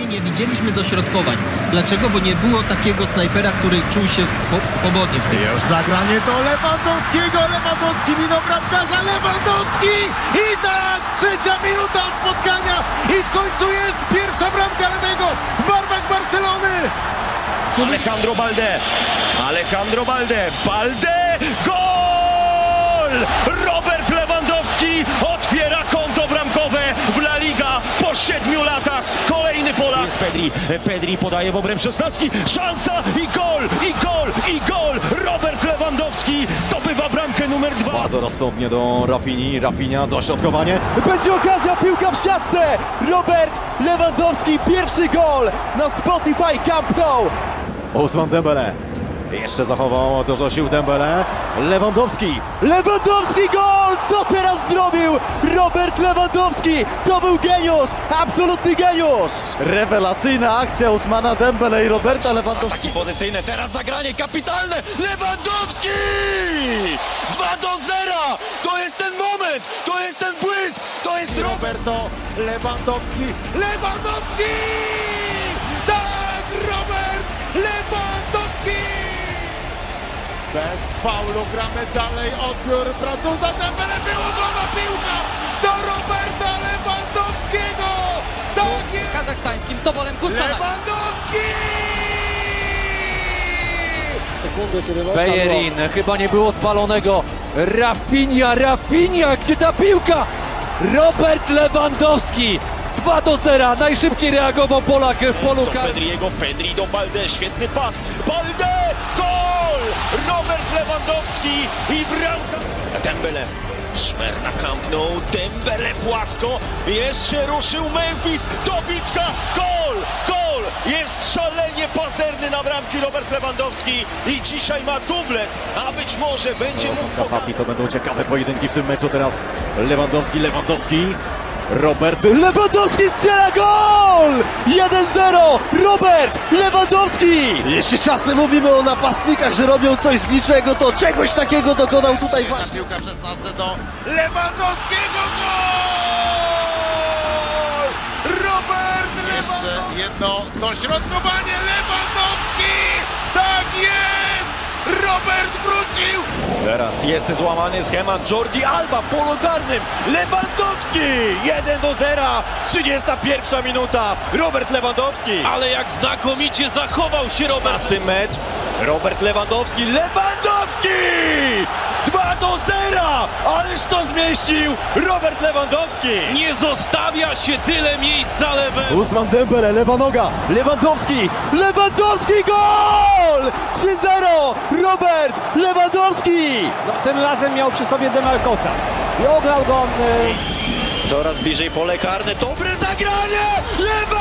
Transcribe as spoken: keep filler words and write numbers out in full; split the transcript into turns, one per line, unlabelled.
spotkanie nie widzieliśmy dośrodkowań. Dlaczego? Bo nie było takiego snajpera, który czuł się swo- swobodnie w tym.
Już zagranie do Lewandowskiego, Lewandowski minął bramkarza, Lewandowski i tak trzecia minuta spotkania i w końcu jest pierwsza bramka lewego w barwach Barcelony.
Alejandro Balde, Alejandro Balde, Balde, gol! Robert Lewandowski otwiera konto bramkowe w La Liga po siedmiu latach. Kolejny Polak. Jest Pedri, Pedri podaje w obręb szesnastki, szansa i gol, i gol, i gol! Robert Lewandowski zdobywa bramkę numer dwa.
Bardzo rozsądnie do Rafini, Rafinia, dośrodkowanie. Będzie okazja, piłka w siatce! Robert Lewandowski, pierwszy gol na Spotify Camp Nou. Ousmane Dembele. Jeszcze zachował dużo sił Dembele. Lewandowski. Lewandowski gol! Co teraz zrobił Robert Lewandowski? To był geniusz! Absolutny geniusz! Rewelacyjna akcja Ousmana Dembele i Roberta Lewandowskiego.
Ataki pozycyjne, teraz zagranie kapitalne! Lewandowski! dwa do zera! To jest ten moment! To jest ten błysk! To jest Robert!
Roberto Lewandowski. Lewandowski! Tak! Robert Lewandowski! Bez faulu gramy dalej, odbiór Francuza Dembele, wyłożona piłka do Roberta Lewandowskiego! Tak jest!
kazachstańskim toporem Kustala.
Lewandowski!
Bellerin, chyba nie było spalonego. Rafinha, Rafinha, gdzie ta piłka? Robert Lewandowski, dwa do zera, najszybciej reagował Polak w polu
Do
karnym.
Pedriego, Pedri do Balde, świetny pas, Balde, gol! Robert Lewandowski i bramka. Dembele, szmer na Camp Nou, Dembele płasko, jeszcze ruszył Memphis, dobitka, gol, gol! Jest szalenie pazerny na bramki Robert Lewandowski i dzisiaj ma dublet, a być może będzie mógł
Kapaki,
pokazać.
to będą ciekawe pojedynki w tym meczu. Teraz Lewandowski, Lewandowski. Robert Lewandowski strzela gol! jeden zero! Robert Lewandowski! Jeśli czasem mówimy o napastnikach, że robią coś z niczego, to czegoś takiego dokonał tutaj właśnie. Piłka w szesnastce do Lewandowskiego, gol! Robert Lewandowski! Jeszcze jedno dośrodkowanie, Lewandowski! Tak jest! Robert wrócił!
Teraz jest złamany schemat Jordi Alba w polu karnym. Lewandowski! jeden do zera. trzydziesta pierwsza minuta. Robert Lewandowski.
Ale jak znakomicie zachował się Robert.
szesnasty mecz. Robert Lewandowski. Lewandowski! dwa do zera! Ależ to zmieścił Robert Lewandowski!
Nie zostawia się tyle miejsca lewego.
Ousmane Dembele, lewa noga, Lewandowski, Lewandowski, gol! trzy zero, Robert Lewandowski!
No, tym razem miał przy sobie Demarcosa i ograł go. y,
Coraz bliżej pole karne. Dobre zagranie! Lewandowski!